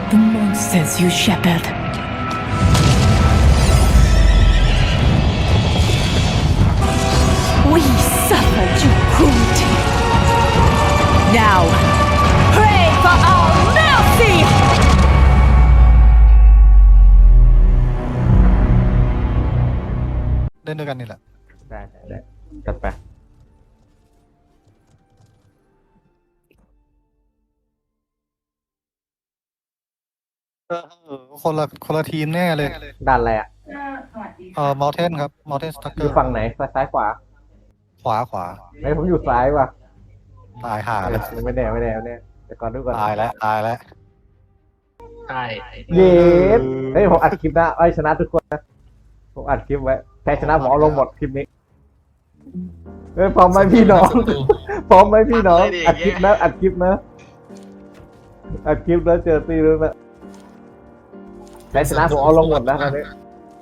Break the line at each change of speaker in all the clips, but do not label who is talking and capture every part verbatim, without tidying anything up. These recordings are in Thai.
The monsters you shepherd. We suffered your cruelty. Now, pray for our mercy!
เล่นด้วยกันนี่แหละ
ได้ได้ได้จัดไป
เออคนละคนละทีมแน่เลย
ด้านอะไรอ่ะ
เออมอลเทนครับมอลเทนสตั๊กเก
อ
อยู่ ร์
ฝั่งไหนซ้ายขวา
ขวาขวา
ไอ้ผมอยู่ซ้ายว่ะ
ตายหาแล้ว
ไม่แน่ไม่แน่ไม่แน่แต่ก่อนดูก่อน
ตายแล้วตายแล้ว
ใช่
เย็ดเฮ้ยผมอัดคลิปนะไอ้ชนะทุกคนนะผมอัดคลิปไว้แพ้ชนะผมเอาลงหมดคลิปนี้เฮ้ยพร้อมไหมพี่น้องพร้อมไหมพี่น้องอัดคลิปนะอัดคลิปนะอัดคลิปแล้วเจอตีแล้วนะแพ้ชนะผมเอาลงหมดนะตอนนี้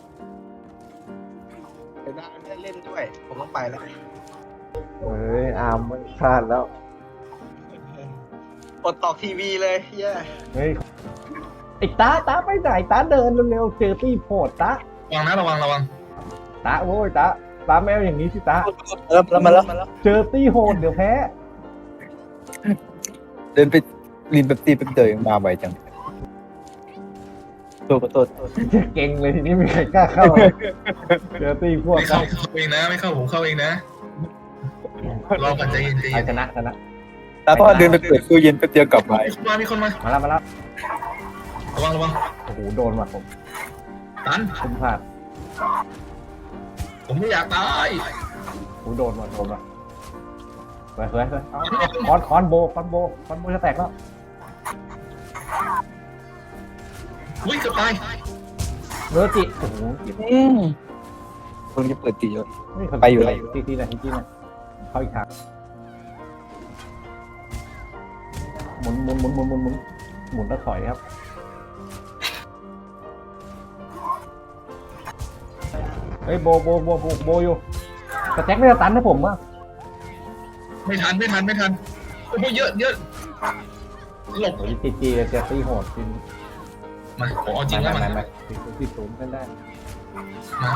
เดี๋ยวได้เล่นด้วย ผมต้องไปแล้ว
เฮ้ยอาร์มมันพลาดแล้ว
กดตอกทีวีเลยเย้
เฮ้ยไอ้ตาตาไปไหนตาเดินเร็วๆเจอตีโผดตา
ระวังนะระวังระวัง
ตาโว้ยตาตาแมวอย่างนี้สิตา
แล้วแล้วมาแล้ว
เจอตีโหดเดี๋ยวแพ้
เดินไปริมแบบตีเป็นเตยมาไวจังตัวตัว
เก่งเลยทีนี้ไม่มีใครกล้าเข้าเลยเจอตีพวก
ไม่เข้าเข้าเองนะไม่เข้าผมเข้าเองนะรอก่อนใจเย็นใจ
ใคร
เย็น
ชนะชนะ
แล้วก็เดินไปเปิดตู้เย็นแป๊บเดียวกลับมา
มีคนมามีคนมา
มาแล้วมาแล้ว
ระวังระวัง
โอ้โหโดนว่ะผม
ตัน
คุ้มพลาด
ผมไม่อยากตาย
โอ้โหโดนว่ะโดนว่ะเฮ้ยเฮ้ยเฮ้ยเอาคอนคอนโบคอนโบคอนโบจะแตกแล้ว
อุ้ยเกือบตาย
เนื้อจิโอ้โหจิ
อืมคนที่เปิดตีเยอะ
นี่เขา
ไปอยู่ไหน
ตีตีหน่อยตีหน่อยเข้าอีกทางหมุนหมุนหมุนหมุนหมุนหมุนหมุนแล้วถอยครับเฮ้ยโบโบโบโบโบอยู่แต่แจ็คไม่ได้ตันให้ผมอ่ะ
ไม่ทันไม่ทันไม่ทันโอ้โหเยอะเยอะหลบ
โอ้ยจีจีจะตีโหดจริง
มาผมเอาจริงแล้วมัน
ไม่ไม่ไม่ตีศูนย์กันได้
มา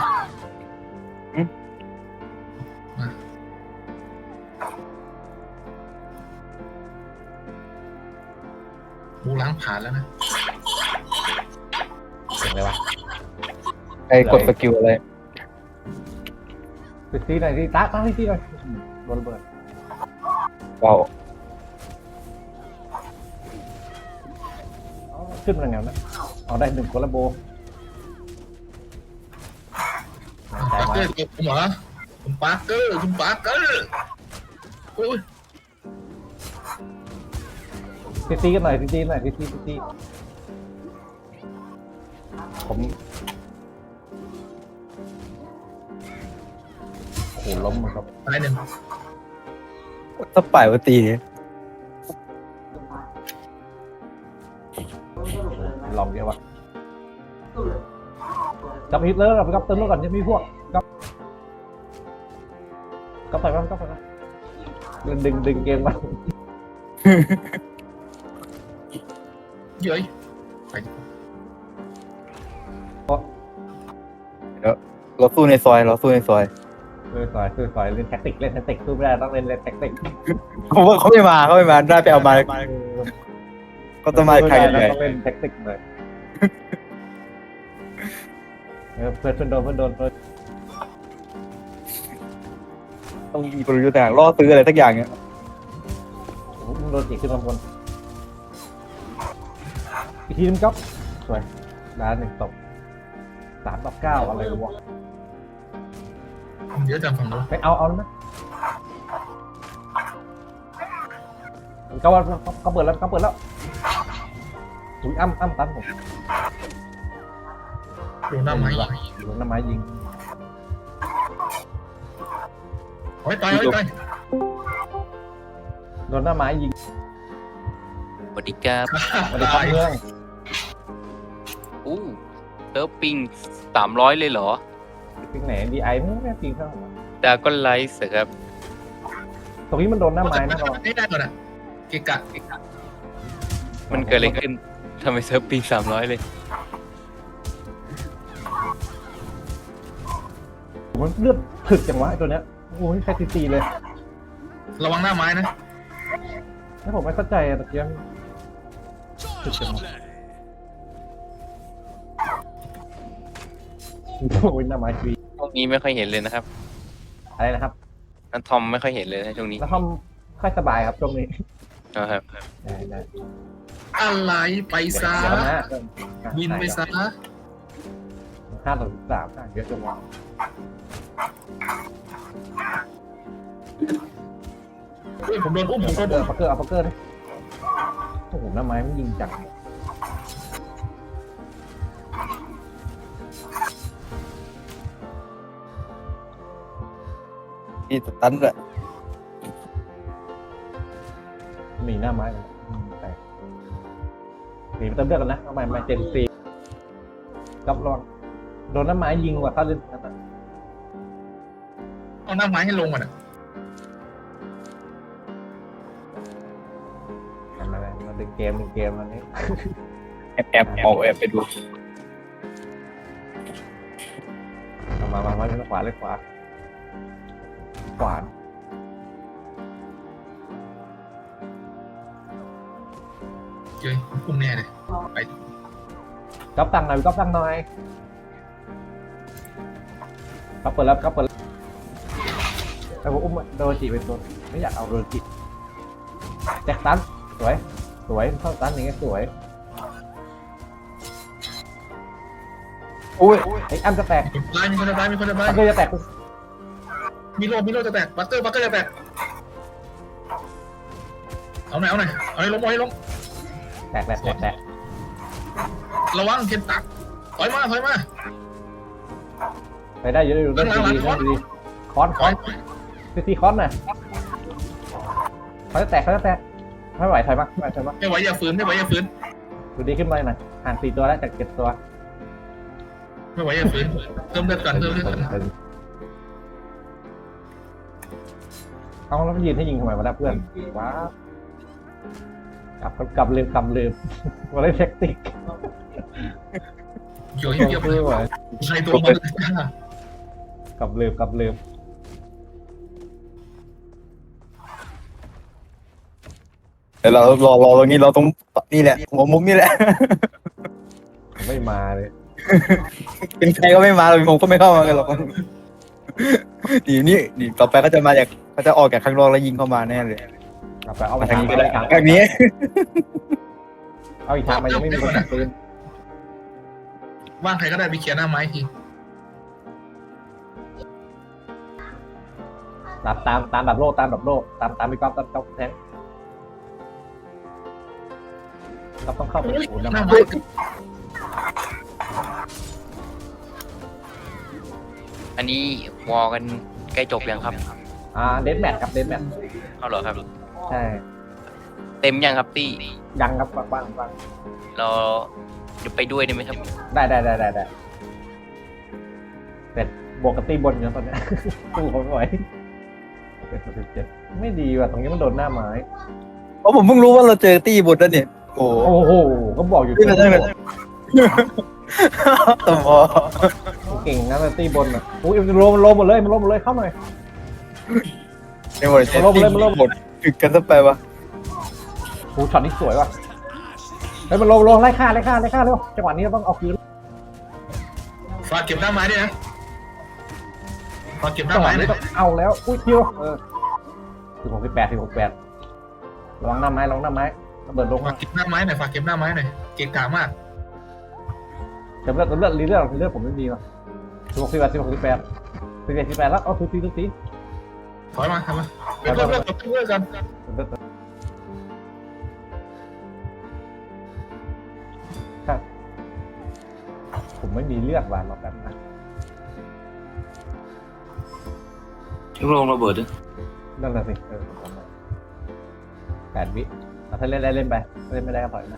บูล้างผ่านแล้วนะ
เสียงอะไรวะ
ไอ้กดสกิลอะไร
ตีตีหน่อยตีตาตาตีตีหน่อยอืมโดนระเบิด
เบา
เอาขึ้นมาไงนะเอาได้หนึ่งคนละโบ
ปาร์เกอร์ผมเหรอคุณปาร์เกอร์คุณปาร์เกอร์โอ้ย
ตีตีกันหน่อยตีตีหน่อยตีตีตีตีผมโอ้โหล้มเหมือนครับ
ตายหนึ่ง
ถ้าป่ายว่าตี
ลองเดียววะจับฮิตเลอร์กับกับเติมแล้วก่อนจะมีพวกกับกับไปมั้งกับไปมั้งดึงดึงดึงเกมมา
เย้ยไป
เราสู้ในซอยเราสู้ในซอย
เออสอยคือสอยเล่นแท็กติกเล่นแท็กติกสู้ไม่ได้ต้องเล่นเล่นแท็กติก
เขาว่าเขาไม่มาเขาไม่มาได้ไปเอามาก็ต้องมาใคร
ให
ใหญ่
ต้องเล่นแท็กติกเลยเออเพื่อนเพื่อนโดนเพื่อนโดนเพื่อน
ต้องมีกลยุทธ์ต่างล่อซื้ออะไรสักอย่างเนี้ย
มึงโดนจีขึ้นมาบนอีกทีนึงครับสวยด้านหนึ่งตกสามต่อเก้าอะไรวะ
เยอะจังฝั่งนู้น
ไปเอาเอาไหมเขาเขาเปิดแล้วเขาเปิดแล้วอุ้ยอ้ำอ้ำตันผม
ดูหน้าไม้
โดนน้ำไม้ยิง
โอ้ยตายโอ้ยตาย
โดนหน้าไม้ยิง
สวัสดีครับ
มาในทัพเมือง
อู้เซิร์ฟปิงสามร้อยเลยเหรอ
ปิงไหนดีไอไม่แม่ปิงข้างหัว
ดาก้อนไลท์ครับ
ตรงนี้มันโดนหน้าไม้นะ
ไม่ได้ก่อนอ่ะเกะกะเกะกะ
มันเกิดอะไรขึ้นทำไมเซิร์ฟปิงสามร้อยเลย
มันเลือดถึกจังวะไอ้ตัวเนี้ยโอ้ยใครตีตีเลย
ระวังหน้าไม้นะ
ถ้าผมไม่เข้าใจอะตะเกียบถึกจังวะโอ้ยหน้าไม้ชี
ช่วงนี้ไม่ค่อยเห็นเลยนะครับ
อะไรนะครับ
นันทอมไม่ค่อยเห็นเลยนะช่วงนี้
แล้วห้องค่อยสบายครับช่วงนี้
นะครับ
ได้ได้
อะไรไปซะ
เดี๋ยวนะ
บินไปซะ
ห้าต่อสิบสามเยอะจังวะ
เฮ้ยผมโดนอุ้มผมโดน
เอ
อุ้
อ
ม
ปักเกอร์เอาปักเกอร์ดิโอ้โหหน้าไม้มันยิงจัง
นี่สตันเลย
มีหน้าไม้เลยอืมแต่หนีไปเติมเลือดกันนะเอาใหม่ใหม่เจนซีกับรองโดนหน้าไม้ยิงกว่าถ้าเล่นนั่นนะ
เอาหน้าไม้ให้ลงก่อนอ่ะ
มาเลยมาดึงเกมดึงเกมอันนี้
แอบแอบออกแอบไปดู
เอามามามาเล่นขวาเล่นขวาขวา
เฮ้ยอุ้มแน่เลยไป
ก๊อปตังค์หน่อยก๊อปตังค์หน่อยก๊อปเปิดแล้วก๊อปเปิดแล้วไอ้ผมอุ้มโดนจีเป็นตัวไม่อยากเอาโดนจีแจ็คตันสวยสวยเข้าตันอย่างเงี้ยสวย
อุ้ย
ไอ้อันจะแตก
ตายมีคนจะตายมีคนจะตาย
ปักเกอร์จะแตก
มีโลมีโลจะแตกบัตเตอร์บัตเตอร์จะแตกเอาหน่อยเอาหน่อยเอาให้ล้มเอาให้ล้ม
แตกแตกแตกแตก
ระวังเข็นตักถอยมาถอยมา
ไปได้เยอะอยู่ได้ดีดีได้ดีคอนคอนซีซีคอนน่ะเขาจะแตกเขาจะแตกไม่ไหวถอยมาไม่ไหวถอยมา
ไม่ไหวอย่าฝืนไม่ไหวอย่าฝืน
ดูดีขึ้นมาหน่อยห่างสี่ตัวแล้วจากเจ็ดตัว
ไม่ไหวอย่าฝืนเติมเลือดก่อนเติมเลือดก่อน
เอาแล้วมันยืนให้ยิงทำไมวะนะเพื่อนว้าวกลับกลับลืมกลับลืมมาเล่นแท็กติก
เกี่ยวเกี่ยว
ไม่ไหว
ใครตัวมัน
กลับลืมกลับลืม
เดี๋ยวเรารอรอตรงนี้เราตรงนี่แหละหัวมุมนี่แหละ
ไม่มาเลย
เป็นใครก็ไม่มาเลยผมก็ไม่เข้ามากันหรอกดีนี่ดีต่อไปก็จะมาจากก็จะออกจากข้างนอกแล้วยิงเข้ามาแน่เลย
กลับไปเอาไป
มาทาง
ทาง
นี้
ไป
ก็ได้
ทาง
ทางนี้
เอาอีกทางมายังไม่มีคนตัดปืน
ว่างใครก็ได้ไปเขียนหน้าไม้ที
ตามตามตามดับโลกตามดับโลกตามตามไปก๊อฟตามก๊อฟแทงก๊อฟต้องเข้าไปศูนย์
ห
นะ
น้า
มัน
ไม้
อันนี้วอลกันใกล้จบยังครับ
อ่าเดนแมทครับเดนแมท
เอาเหรอครับ
ใช่
เต็มยังครับตี้
ยังครับบางบางบาง
เราจะไปด้วยได้ไหมครับ
ได้ได้ได้ได้ได้แต่บวกกับตีบนอยู่นะตอนเนี้ย สู้เขาไม่ไหวเจ็ดสิบเจ็ดไม่ดีว่ะตรงนี้มันโดนหน้าไม้
เพราะผมเพิ่งรู้ว่าเราเจอตี้บทแล้วเนี่ยโอ้
โอ้โหก็บอกอยู่
ที่นั่นเลยตัวพอ
เก่งนะแต่ตีบนอ่ะอุ้ยมันโลมันโลหมดเลยมันโลหมดเลยเข้าหน่อย
ในหมดเจอตี้บทถึกกันซะไปวะ
โอ้ช็อตนี้สวยว่ะเฮ้ยมันโลมันโลไล่ฆ่าไล่ฆ่าไล่ฆ่าเร็วจังหวะนี้เราต้องเอาคืน
ฝากเก็บหน้าไม้ด้วยนะฝากเก็บหน้า
จังหวะ
ไม้
นี้
ด้วย
ต้องเอาแล้วอุ้ยคิวเออสิบหกสิบแปดสิบหกแปดระวังหน้าไม้ระวังหน้าไม้ระเบิดลง
ฝากเก็บหน้าไม้หน่อยฝากเก็บหน้าไม้หน่อยเก่งกามาก
เดี๋ยวเลือดเลือดรีเลือดรีเลือดผมไม่ดีว่ะสิบหกสิบแปดสิบหกสิบแปดสิบเอ็ดสิบแปดแล้วเอาทุกทีทุกที
ถอยมาทำมาเพิ่มเลือดเพิ่มเลือดกัน
ครับผมไม่มีเลือดว่ะรอบนั้นนะ
ลูกลงระเบิดด้วย
นั่นแหละสิเออผมว่าแปดวิเอาถ้าเล่นได้เล่นไปเล่นไม่ได้ก็ปล่อยนะ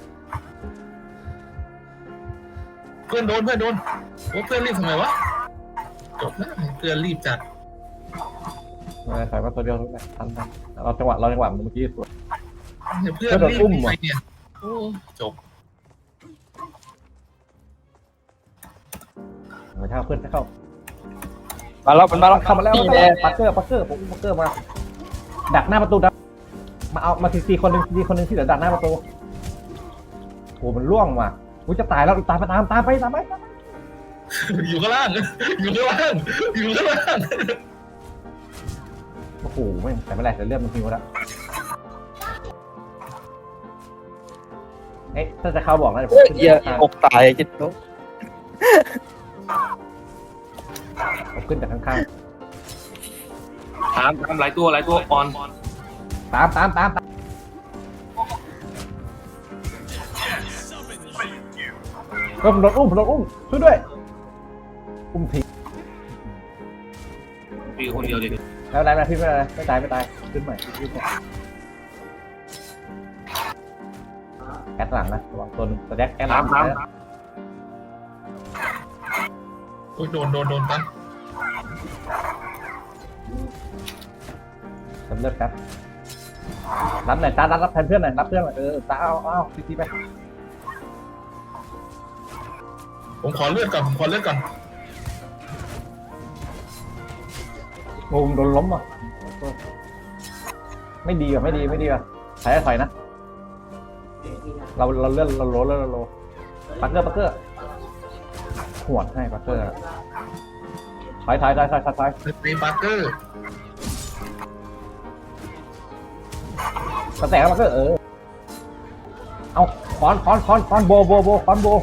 เพื่อนโดนเพื่อนโดนโอ้เพื่อนรีบทำไมวะจบแล้วเพื่อนรีบจัด
ไม่ได้ใส่มาตัวเดียวทุกอย่างทันทันเราจังหวะเราจังหวะเมื่อกี้สวย
เพื่อนรีบไปเนี่ยโอ้จบ
ไม่ใช่เพื่อนจะเข้า
มาแล้วมันมาแล้ว
เข้ามาแล้ว
นี่
เข้า
แห
มา
ละ
แล้วปักเกอร์ปักเกอร์ผมปักเกอร์มาดักหน้าประตูดักมาเอามาทีซีคนหนึ่งทีคนหนึ่งที่เหลือดักหน้าประตูโอ้มันล่วงว่ะกูจะตายแล้วตามไปตามตามไปตามไป
อยู่ข้างล่างอยู่ข้างล่างอยู่ข้างล่าง
โอ้โหไม่แต่ไม่เป็นไรแต่เลือดมันทิ้งหมดแล้วเอ๊ะถ้าจะเข้าบอกนะเดี๋ยวผมขึ้น
เหี้ยอกตายจิตโต
ผมขึ้นจากข้าง
ตามตามหลายตัวหลายตัวออน
ๆตามตามตามตามก็ผมโดนอุ้มผมโดนอุ้มช่วยด้วยอุ้มที
มีคนเดียวเดียว
แล้วได้ไหมพี่ไม่ได้ไม่ตายไม่ตายขึ้นใหม่ขึ้นใหม่แอดหลังนะระวังตัวนึงแสดงแอดหลั
ตาง มตาม
โอ้ยโดนโดนโดนตั้ง
สำเร็จครับรับหน่อยตารับรับแทนเพื่อนหน่อยรับเพื่อนหน่อยเออตาเอาเอาทีทีไป
ผมขอเลือดก่อนผมขอเลือดก่อน
โอ้โดนล้มอ่ะไม่ดีอ่ะไม่ดีไม่ดีอ่ะถอยถอยนะเราเราเลื่อนเราโลเลื่อนเราโลปักเกอร์ปักเกอร์หวดให้ปักเกอร์ถอยถอยถอยถอยถอยถอย
ตีปาร์เกอร์
กระแตกปักเกอร์เออเอาคอนคอนคอนคอนโบโบโบคอนโบ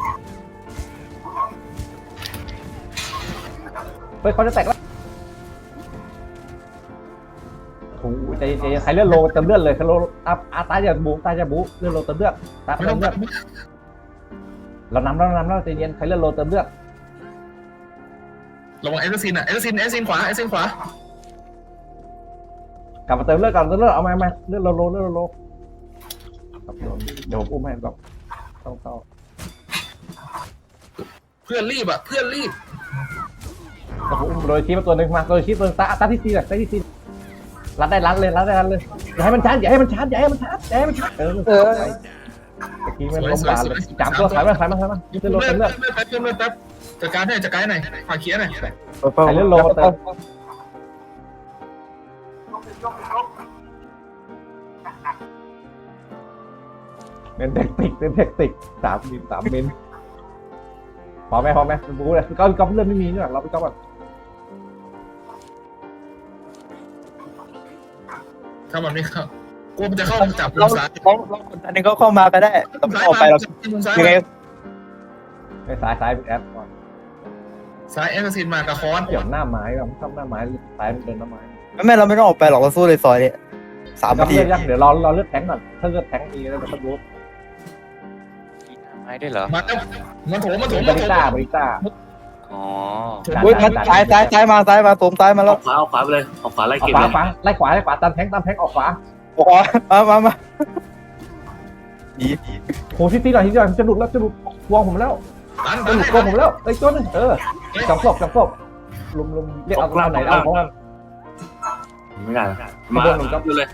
เฮ้ยเขาจะแตกแล้วโอ้โหใจใจใครเลื่อนโลเติมเลือดเลยใครโลอาอาตาจะบูตาจะบูเลื่อนโลเติมเลือดตา
ไม่
เติ
ต้อ
ม
ง
เลือดเรานำเรานำเราใจเย็นใครเลื่อนโลเติมเลือด
ระวังเอสซินอ่ะเอสซินเอสซินขวาเอสซินขวาก
ลับมาเติมเลือดก่อนเติมเลือดเอามามาเลือดโลโลเลือดโลครับเดี๋ยวผมอุ้มให้แบบต้องเข้า
เพื่อนรีบอ่ะเพื่อนรีบ
แต่ผมอุ้มโดยชี้มาตัวหนึ่งมาโดยชี้ตัวตาตาที่ซีเลยตาที่ซีรัดได้รัดเลยรัดได้รัดเลยอย่าให้มันชาร์จอย่าให้มันชาร์จอย่าให้มันชาร์จอย่าให้มันชาร์จเออเออตะกี้มันล้มบาเลยจับตัวสายมาสายมาสายมาเลือดโล
เลือ
เติ
ด
มเลือด
แป๊บเลือดเลือดแป๊บจัดการให้จัดการหน่อยฝากเคลียร์หน่อย
ใครเลื่อนโลเติมเป็นเทคนิคเป็นเทคนิคสามมิลสามมิลพอไหมพอไหมบู๊เลยก้อนก้อนเลื่อนไม่มีเนี่ยเราไปก้อนก่อน
ถ้ามันไม่เข้ากูมันจะเข้าจับมุ
เรา
มซ้าย
เราเราคนอันนึงเขาเข้ามาก็ได้เราไม่ออกไปเรา
มุมซ้าย
ยังไง
ไปซ้ายซ้ายเป็นแอปก่อน
ซ้ายเอสซินมากับคอน
เกี่ยวหน้าไม้แบบทำหน้าไม้ซ้ายมันเดินหน้าไม้
ไม่ไม่เราไม่ต้องออกไปหรอกเราสู้ในซอยเนี่ยสาม
ก็
นาที
เลือดยักเดี๋ยวรอรอเลือดแทงก่อนถ้าเลือดแทงมีแล้วมันก็รู้
ไม้ได้วยเหรอ
มาแล้วมันโถมมันโถม
บ
มัน
ริ
โถ
ต้าม บริต้า
อ๋อ
อุ้ยมันซ้ายซ้ายซ้ายมาซ้ายมาโถมซ้ายมา
อ
แล้
อ
ว
กขวาออกขวาไปเลยออกขวาไล่
ออก
เก็บ
ขวา
เลย
ขวาไล่ขวาไล่ขวาตามแทงตามแทงออกขวา
โอ้โหมามามาดี
โหที่ตีหน่อยที่หน่อยจะหลุดแล้วจะหลุดวงผมแล้ว
ตัน
จะหลุดกงผมแล้วไอ้ตัวนึงเออจับศพจับศพลุมลุมเรียกเอาตัวไหนเอาเพราะว่า
ไม่ได้
ไม่
มา
โดนหนึ่งครับ
ดูเลย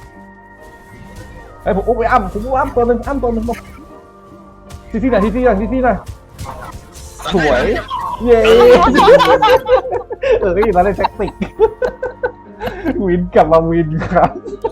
ไอ้ผมอุ้มไปอ้ำผมอุ้มอ้ำตัวนึงอ้ำตัวนึงที่ที่ไหนที่ที่ไหนที่ที่ไหนสวยเย้เออนี่มาได้แท็กติกวินกลับมาวินครับ